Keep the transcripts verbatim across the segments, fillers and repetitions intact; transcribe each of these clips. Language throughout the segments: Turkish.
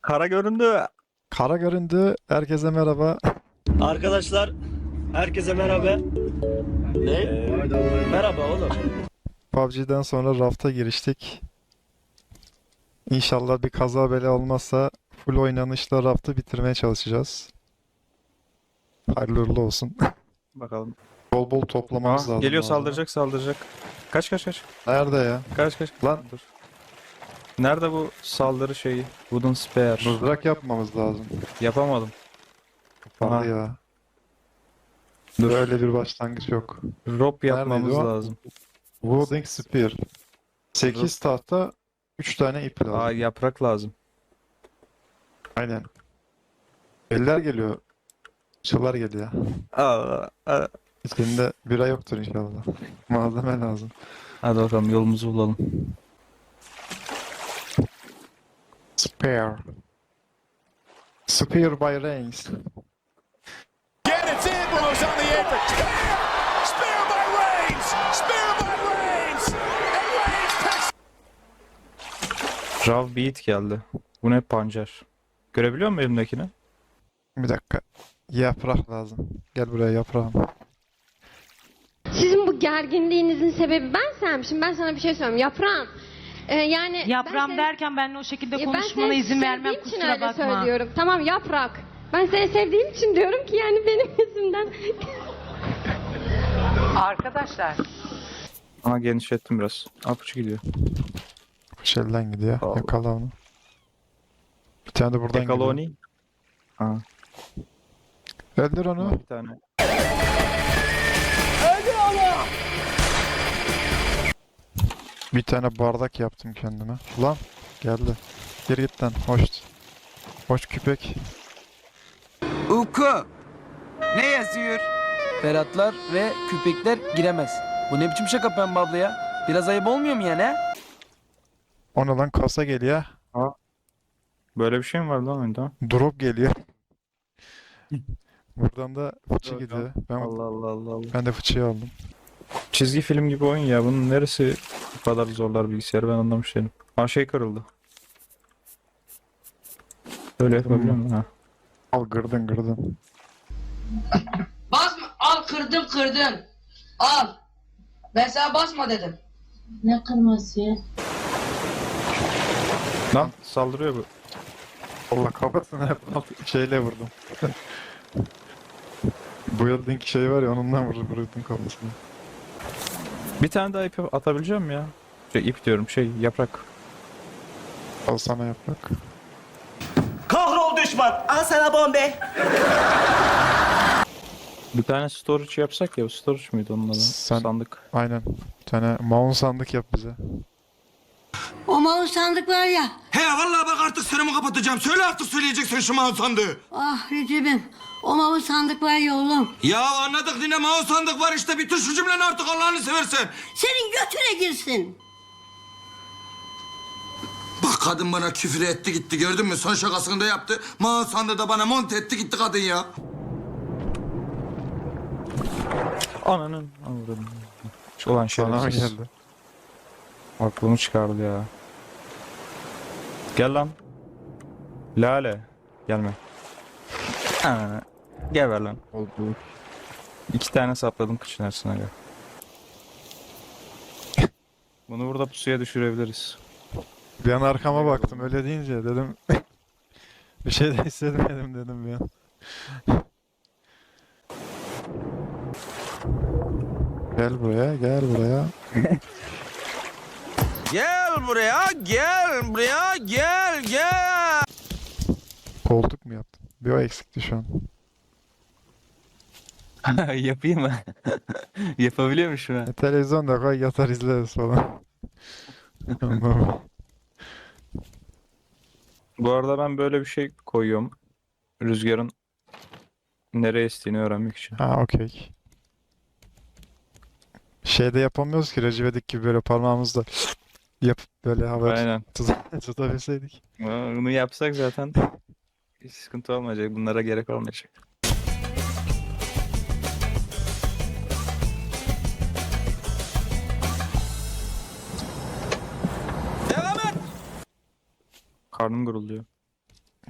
Kara göründü. Kara göründü. Herkese merhaba. Arkadaşlar, herkese merhaba. Ne? Ee, merhaba oğlum. P U B G'den sonra rafta giriştik. İnşallah bir kaza bela olmazsa full oynanışla raftı bitirmeye çalışacağız. Hayırlı uğurlu olsun. Bakalım. Bol bol toplamamız Aa, lazım. geliyor bu arada. saldıracak saldıracak. Kaç kaç kaç. Nerede ya? Kaç kaç. Lan. Dur. Nerede bu saldırı şeyi? Wooden Spear. Mızrak yapmamız lazım. Yapamadım. Hadi Aha. ya. Dur. Böyle bir başlangıç yok. Rope yapmamız Neredeydi o? lazım. Wooden Spear. sekiz tahta, üç tane ip lazım. Aa, yaprak lazım. Aynen. Eller geliyor. Çılar geliyor. Aa, aa. Senin bira yoktur inşallah. Malzeme lazım. Hadi bakalım yolumuzu bulalım. Spare. Spear by Reigns. Again, it's Ambrose on the apron. Spear! Spear by Reigns! Spear by Reigns! And Reigns takes... Rav Beat geldi. Bu ne pancar? Görebiliyor musun elimdekini? Bir dakika. Yaprak lazım. Gel buraya yaprağım. Sizin bu gerginliğinizin sebebi bensem. Şimdi ben sana bir şey söyleyeyim. Yaprağım. Ee, yani Yaprağım ben seni- derken benimle o şekilde Ya ben konuşmana seni izin vermem, sevdiğim için kusura öyle bakma. söylüyorum. Tamam yaprak. Ben seni sevdiğim için diyorum ki yani benim yüzümden. Arkadaşlar. Ama genişlettim biraz. Apuçu gidiyor. Şelden gidiyor. Allah. Yakala onu. Bir tane de buradan gidiyor. Ekaloni. Aa, Öldür onu. bir tane. Bir tane bardak yaptım kendime. Lan geldi. Geri git lan. Hoş. Hoş küpek. Uku. Ne yazıyor? Ferhatlar ve köpekler giremez. Bu ne biçim şaka Pembe abla ya? Biraz ayıp olmuyor mu yani ha? Ona lan kasa geliyor. Böyle bir şey mi var lan oyunda? Drop geliyor. Buradan da fıçı Yok, gidiyor. Ben, Allah Allah Allah Allah. ben de fıçıyı aldım. Çizgi film gibi oyun ya. Bunun neresi bu kadar zorlar bilgisayarı ben anlamış değilim. Aa, şey kırıldı. Öyle yapabiliyor muyum? Ha. Al gırdın gırdın. Basma. Al kırdın kırdın. Al. Ben sana basma dedim. Ne kırması ya? Lan saldırıyor bu. Allah kafasına hep şeyle vurdum. Bu yıldığın şey var ya onundan vurdum, vurdum kafasına. Bir tane daha ip atabileceğim mi ya? Şey, ip diyorum şey yaprak. Al sana yaprak. Kahrol düşman. Al sana bombe. Bir tane storage yapsak ya. Storage muydu onun adı? Sen- Sandık. Aynen. Bir tane mount sandık yap bize. O mouse sandık var ya. He vallahi bak artık senemi kapatacağım. Söyle artık söyleyeceksin şu mouse sandığı. Ah Recep'im. O mouse sandık var ya oğlum. Ya anladık yine mouse sandık var işte. Bitir şu cümleni artık Allah'ını seversen. Senin götüne girsin. Bak kadın bana küfür etti gitti gördün mü? Son şakasını da yaptı. Mouse sandığı da bana monte etti gitti kadın ya. Ananın. Anladım. Ulan Sana mı şerefsiz. geldi? Aklımı çıkardı ya. Gel lan. Lale. Gelme. Aa, geber lan. Oldu. İki tane sapladım kıçın arasına gel. Bunu burada pusuya düşürebiliriz. Bir an arkama baktım öyle deyince dedim bir şey de hissetmedim dedim bir an. Gel buraya, gel buraya. Gel buraya gel buraya gel gel. Koltuk mu yaptın? Bir o eksikti şu an. Yapayım mı? Yapabiliyormuşum ha. E, televizyon da koy yatar izleriz falan. Anlamam. Bu arada ben böyle bir şey koyuyorum. Rüzgarın nereye estiğini öğrenmek için. Ha okey. Şeyde yapamıyoruz ki Recep İvedik gibi böyle parmağımızla yapıp böyle havaya Aynen. tut- tutabilseydik. Bunu yapsak zaten hiç sıkıntı olmayacak. Bunlara gerek olmayacak. Devam et. Karnım gurulduyor.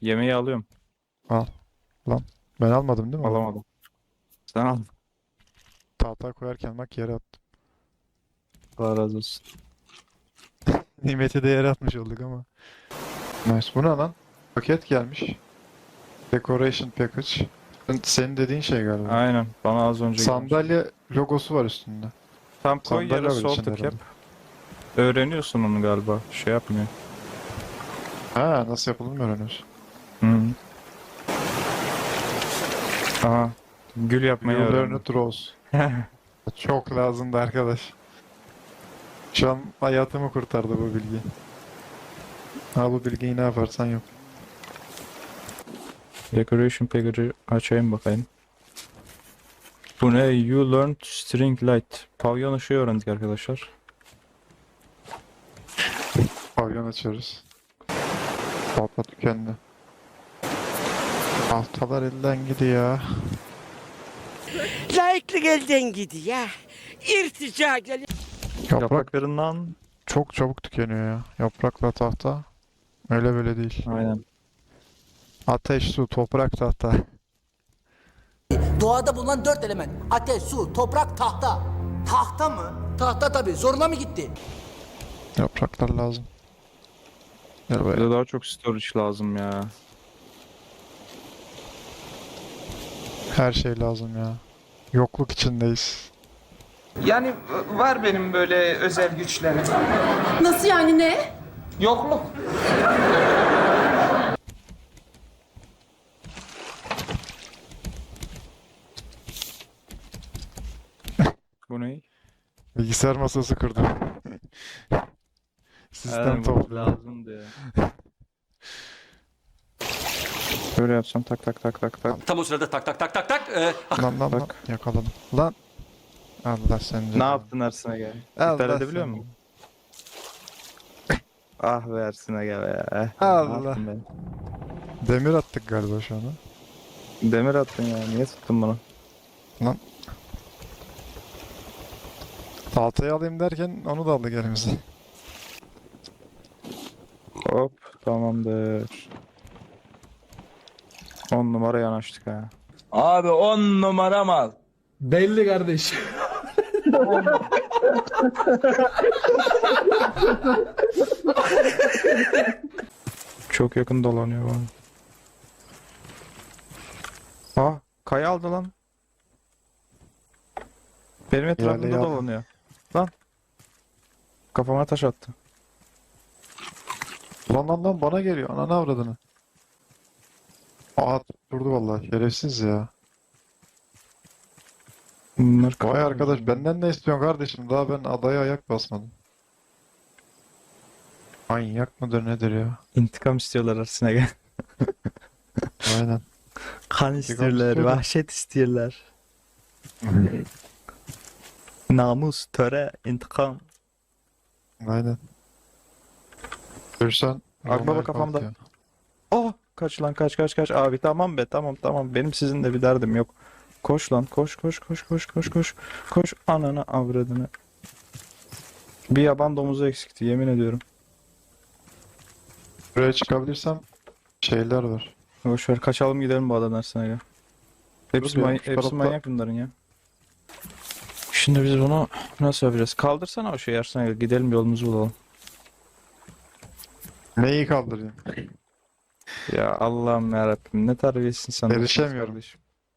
Yemeği alıyorum. Ben almadım değil mi? Alamadım. Sen al. Tahta koyarken bak yere attım. Allah razı olsun. Nimeti de yere atmış olduk ama. Nice. Bu ne lan? Paket gelmiş. Decoration package. Senin dediğin şey galiba. Aynen. Bana az önce gelmiş. Sandalye logosu var üstünde. Tam koy Sandalye yere var sol içinde tık yap. herhalde. Öğreniyorsun onu galiba. Şey yapmıyor. Ha, nasıl yapıldığını mı öğreniyorsun? Hı. Aha. Gül yapmayı You learn öğrendim. it Rose. Çok lazımdı arkadaş. Şu an hayatımı kurtardı bu bilgi. Ha, bu bilgiyi ne yaparsan yap. Decoration package'ı açayım bakayım. Bu ne? You learned string light. Pavyon ışığı öğrendik arkadaşlar. Pavyon açıyoruz. Tahta tükendi. Tahtalar elden gidiyor. Layıklık elden gidiyor. İrtica geliyor. Yaprak Yapraklarından. çok çabuk tükeniyor ya. Yaprakla tahta. Öyle böyle değil. Aynen. Ateş, su, toprak, tahta. Doğada bulunan dört element. Ateş, su, toprak, tahta. Tahta mı? Tahta tabii. Zoruna mı gitti? Yapraklar lazım. Gel Bize buraya. daha çok storage lazım ya. Her şey lazım ya. Yokluk içindeyiz. Yani var benim böyle özel güçlerim. Nasıl yani ne? Yokluk. Bu ne? Bilgisayar masası kırdım. Sistem Aynen, bu toplu. lazımdı ya. Böyle yapsam tak tak tak tak tak. Tam o sırada tak tak tak tak tak. e, Lan lan lan. Bak. Yakaladım. Lan. Allah seni. Ne yaptın Ersin'e gel? Allah İptal edebiliyor seni. musun? Ah be Ersin'e gel ya. Eh, ne Allah. yaptın be? Demir attık galiba şu an. ha? Demir attın ya. Niye tuttun bunu? Tahtayı alayım derken onu da aldık elimize. Hop tamamdır. On numara yanaştık ha. Abi on numara mal. Belli kardeş. Çok yakın dolanıyor bana. Aa, kaya aldı lan. Benim etrafımda ya. dolanıyor. Lan. Kafama taş attı. Lan lan lan bana geliyor. Ananı avradını. Aa, durdu vallahi. Şerefsiz ya. Bunlar Vay arkadaş, benden ne istiyorsun kardeşim? Daha ben adaya ayak basmadım. Manyak mıdır nedir ya? İntikam istiyorlar Ersin'e gel. Aynen. Kan istiyorlar, istiyorlar, vahşet istiyorlar. Namus, töre, intikam. Aynen. Görsen. Akbaba Roma'ya kafamda. kalk ya. Oh, kaç lan kaç kaç kaç. Abi tamam be tamam tamam. Benim sizinle bir derdim yok. Koş lan koş koş koş koş koş koş. Koş ananı avradını. Bir yaban domuzu eksikti yemin ediyorum. Buraya çıkabilirsem şeyler var. Boş ver kaçalım gidelim bu adadan Ersin'e gel. Hepsi, Dur bir, many- şu hepsi tarafta- manyak bunların ya. Şimdi biz bunu nasıl yapacağız? Kaldırsana o şeyi Ersin'e gel. Gidelim yolumuzu bulalım. Neyi kaldırayım? Ya Allah'ım yarabbim ne terbiyesizsin sen. Erişemiyorum. kardeşim.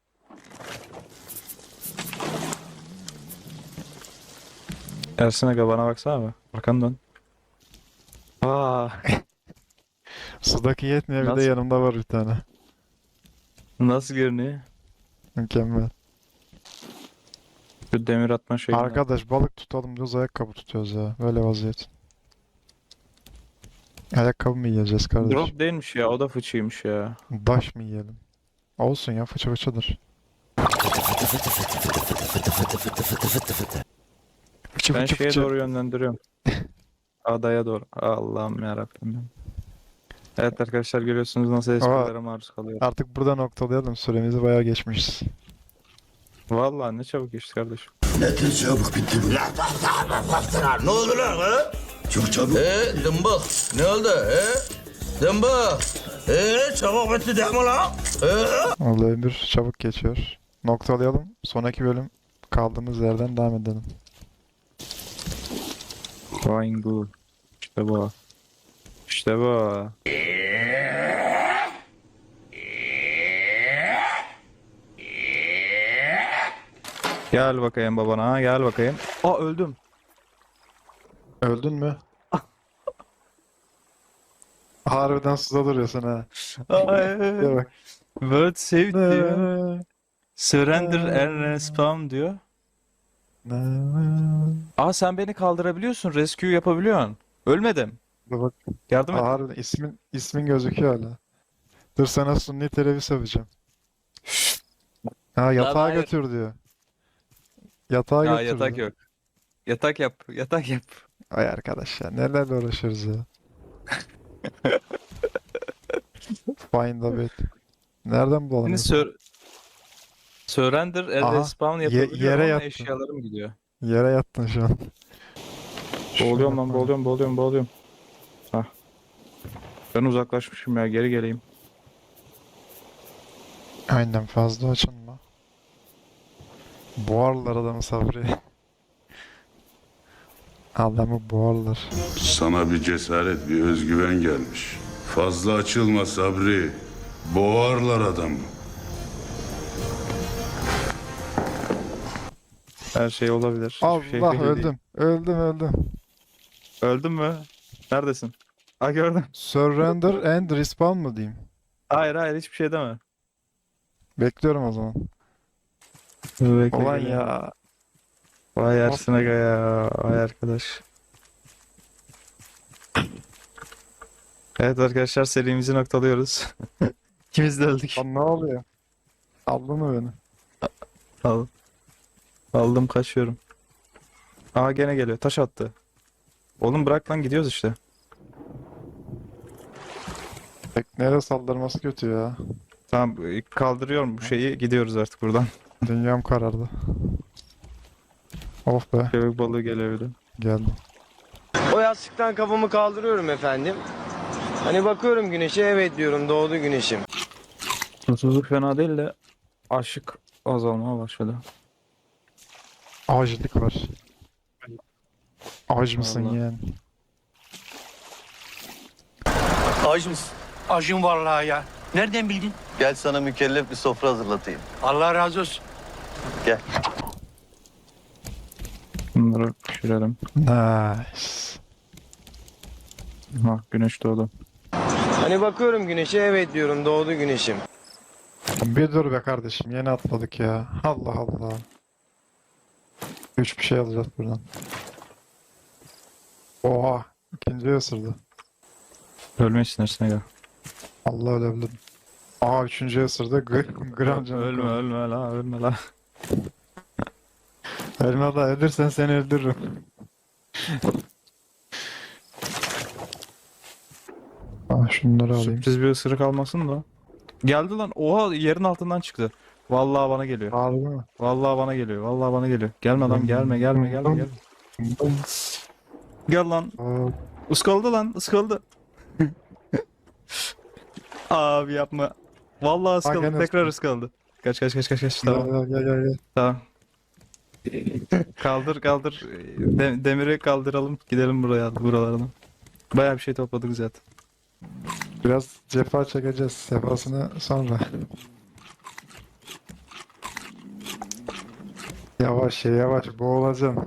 Ersin Aga bana baksana abi. Arkanı dön. Aa, Sudaki yetmiyor, bir de Nasıl? yanımda var bir tane. nasıl görünüyor? Mükemmel. Şu demir atma şeyini. Arkadaş balık tutalım diyoruz, ayakkabı tutuyoruz ya. Böyle vaziyet. Ayakkabı mı yiyeceğiz kardeşim? Drop değilmiş ya o da fıçıymış ya. Daş mı yiyelim? Olsun ya, fıçı fıçıdır. Fıçı Ben fıçı şeye fıçı. doğru yönlendiriyorum. Adaya doğru. Allah'ım yarabbim. Evet arkadaşlar görüyorsunuz nasıl esprilere maruz kalıyor. Artık burada noktalayalım. Süremizi bayağı geçmişiz. Vallahi ne çabuk geçti kardeşim. Ne oldu lan ha? Çok çabuk. Ee, dımbık. Ne oldu he? Zımba. Eee çabuk bitti değil mi lan? Eee? Olay bir çabuk geçiyor. Noktalayalım. Sonraki bölüm kaldığımız yerden devam edelim. Fine bu. İşte bu. İşte bu. Gel bakayım babana, gel bakayım. Aa öldüm. Öldün mü? Harbiden suda duruyorsun ha. Gel bak. World saved diyor. Surrender and respawn diyor. Aa sen beni kaldırabiliyorsun, rescue yapabiliyorsun. Ölmedim. Dur bak. Yardım et. Harbiden ismin, ismin gözüküyor hala. Dur sana sunni teneffüs yapacağım. Ha yatağa hayır. götür diyor. Yatağa Aa götür yatak diyor. yok. Yatak yap, yatak yap. Ay arkadaş ya nelerle uğraşıyoruz ya. Find a bed. Nereden bulalım? Şimdi sur surrender and Aha, respawn ye- yapabiliyor yere ama yattı. eşyalarım gidiyor. Yere yattın şu an. Boğuluyorum lan, boğuluyorum, boğuluyorum, boğuluyorum. Hah. Ben uzaklaşmışım ya, geri geleyim. Aynen fazla açılma. Boğarlar adamı Sabri. Adamı boğarlar. Sana bir cesaret, bir özgüven gelmiş. Fazla açılma Sabri. Boğarlar adamı. Her şey olabilir. Hiçbir şey Allah belli değil. öldüm. Öldüm öldüm. Öldün mü? Neredesin? Aa gördüm. Surrender and respawn mı diyeyim? Hayır hayır, hiçbir şey deme. Bekliyorum o zaman. Bekle, Ulan geliyorum. ya. Vay Ersin Aga ya. Vay arkadaş. Evet arkadaşlar, serimizi noktalıyoruz. İkimiz de öldük. Lan ne oluyor? Aldın mı beni? Al. Aldım, kaçıyorum. Aa gene geliyor. Taş attı. Oğlum bırak lan, gidiyoruz işte. Tekneye saldırması kötü ya. Tamam kaldırıyorum bu şeyi. Gidiyoruz artık buradan. Dünyam karardı. Of be. Köpek balığı geliyor bir de. Geldim. O yastıktan kafamı kaldırıyorum efendim. Hani bakıyorum güneşe, evet diyorum, doğdu güneşim. Mutsuzluk fena değil de aşık azalmaya başladı. Acılık var. Ac mısın Vallahi. yeğen? Acı mısın? Acım vallahi ya. Nereden bildin? Gel sana mükellef bir sofra hazırlatayım. Allah razı olsun. Bunları pişirelim. Nice. Ha güneş doğdu. Hani bakıyorum güneşe, evet diyorum, doğdu güneşim. Bir dur be kardeşim. Yeni atladık ya. Allah Allah. Üç bir şey alacağız buradan. Oha. İkinci ısırdı. Ölmesin Ersin Aga. Allah ölebilirim. Aa üçüncü ısırdı. G gram canım. Ölme ölme la, ölme la. Ölme da ölürsen seni öldürürüm. Aa şunları alayım. Sürpriz bir ısırık almasın da. Geldi lan. Oha, yerin altından çıktı. Vallahi bana geliyor. Harbi mi? Vallahi bana geliyor. Vallahi bana geliyor. Gelme lan, gelme gelme gelme gelme. Gel lan. Aa, Iskaldı lan, ıskaldı. Abi yapma. Vallahi ıskaldı. gene Tekrar ıskaldı. Kaç kaç kaç kaç kaç. gel Tamam. gel gel gel. Tamam. Kaldır kaldır. De- demiri kaldıralım. Gidelim buraya, buralardan. Bayağı bir şey topladık zaten. Biraz cefa çekeceğiz. Sefasını sonra. Yavaş ya yavaş boğulacağım.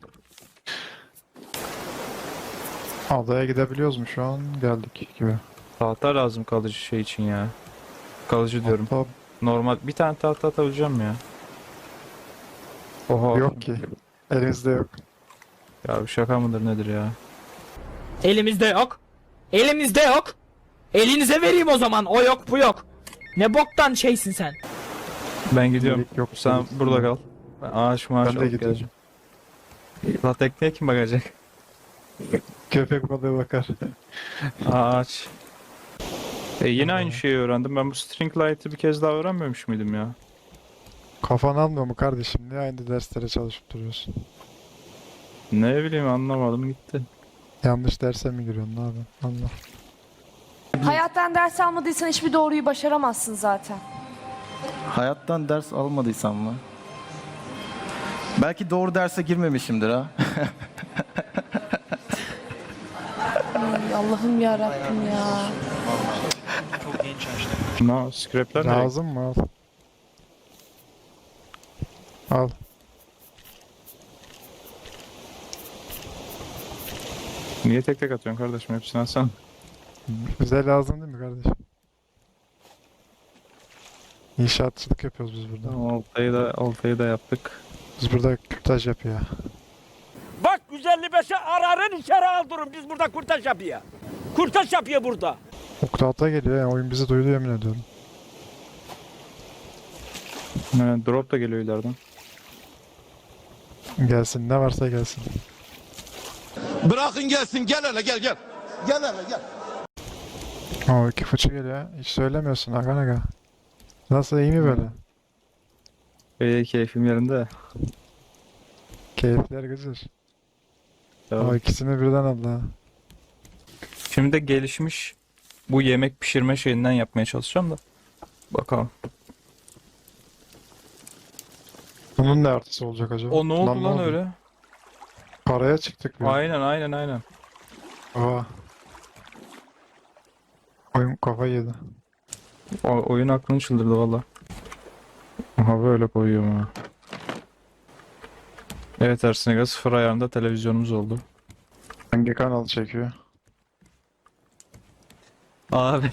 Adaya gidebiliyoruz mu şu an? Geldik gibi. Tahta lazım kalıcı şey için ya. Kalıcı diyorum. Hatta Normal bir tane tahta atabileceğim ya. Oha. yok ki. Elimizde yok. Ya bir şaka mıdır nedir ya? Elimizde yok. Elimizde yok. Elinize vereyim o zaman. O yok bu yok. Ne boktan şeysin sen. Ben gidiyorum. Gerek yok. Sen burada kal. Ben ağaç maaş Ben de alıp gidiyorum. geleceğim. La tekneye kim bakacak? Köpek balığı bakar. Ağaç. E yine aynı şeyi öğrendim. Ben bu string light'ı bir kez daha öğrenmemiş miydim ya? Kafan almıyor mu kardeşim? Niye aynı derslere çalışıp duruyorsun? Ne bileyim, anlamadım gitti. Yanlış derse mi giriyorsun? Ne yapıyorsun? Allah. bileyim. Hayattan ders almadıysan hiçbir doğruyu başaramazsın zaten. Hayattan ders almadıysam mı? Belki doğru derse girmemişimdir ha. Ay, Allah'ım ya Rabbim ya. No, scrapler ne? Lazım mı? Al. Al. Niye tek tek atıyorsun kardeşim? Hepsini alsana. Bize lazım değil mi kardeşim? İnşaatçılık yapıyoruz biz burada. Tamam, oltayı da, oltayı da yaptık. Biz burada kürtaj yapıyor. Bak yüz elli beşe ararın içeri aldırın. Biz burada kurtaş yapıyor. Kurtaş yapıyor burada. Oktavta geliyor ya. Oyun bizi duydu yemin ediyorum. Evet, drop da geliyor ileriden. Gelsin ne varsa gelsin. Bırakın gelsin, gel hele gel gel. Gel hele gel. Oo iki fıçı geliyor. Hiç söylemiyorsun aga aga. Nasıl iyi mi böyle? İyi, keyfim yerinde. Keyifler güzel. Tamam. Aa ikisini birden aldı ha. Şimdi de gelişmiş bu yemek pişirme şeyinden yapmaya çalışacağım da. Bakalım. Bunun ne artısı olacak acaba? O ne oldu ne lan oldu? öyle? Paraya çıktık bir. Aynen aynen aynen. Aa. Oyun kafayı yedi. O, oyun aklını çıldırdı valla. Aha böyle koyuyorum ha. Evet Ersin Aga, sıfır ayarında televizyonumuz oldu. Hangi kanal çekiyor? Abi.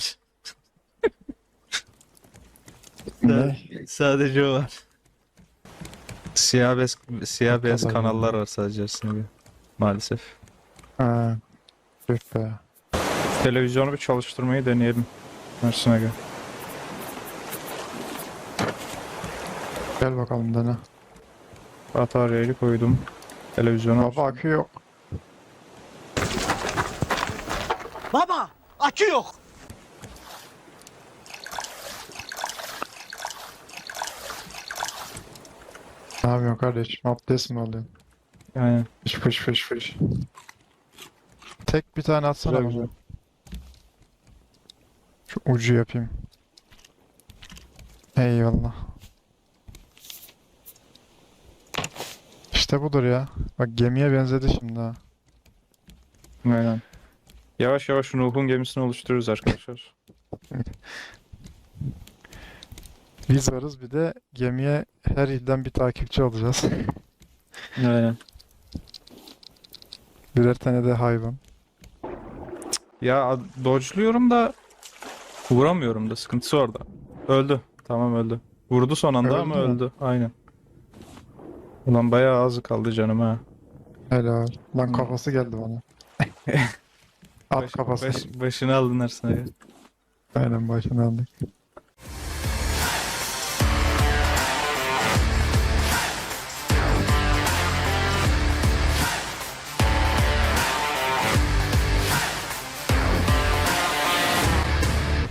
Ne? Sadece o var. Siyah beyaz, siyah beyaz Tabii. kanallar var sadece Ersin Aga. Maalesef. Ha. Tüh be. Televizyonu bir çalıştırmayı deneyelim. Ersin Aga. Gel bakalım dene. Bataryayı koydum. Televizyonu Baba akü yok. Baba, akü yok. Ne yapıyorsun kardeşim? Abdest mi alıyorsun? Aynen. Fış fış fış fış. Tek bir tane atsana Güzel, bana. güzel. Şu ucu yapayım. Eyvallah. İşte budur ya. Bak gemiye benzedi şimdi ha. Aynen. Yavaş yavaş Nuh'un gemisini oluşturuyoruz arkadaşlar. Biz varız bir de gemiye her ilden bir takipçi alacağız. Aynen. Birer tane de hayvan. Ya ad- dodge'luyorum da vuramıyorum da, sıkıntısı orada. Öldü. Tamam öldü. Vurdu son anda Öldü ama mü? öldü. Aynen. Ulan bayağı az kaldı canım ha. Helal. Lan Hmm. kafası geldi bana. At Baş- kafası. baş- başını aldın Ersin Aga. Aynen başını aldık.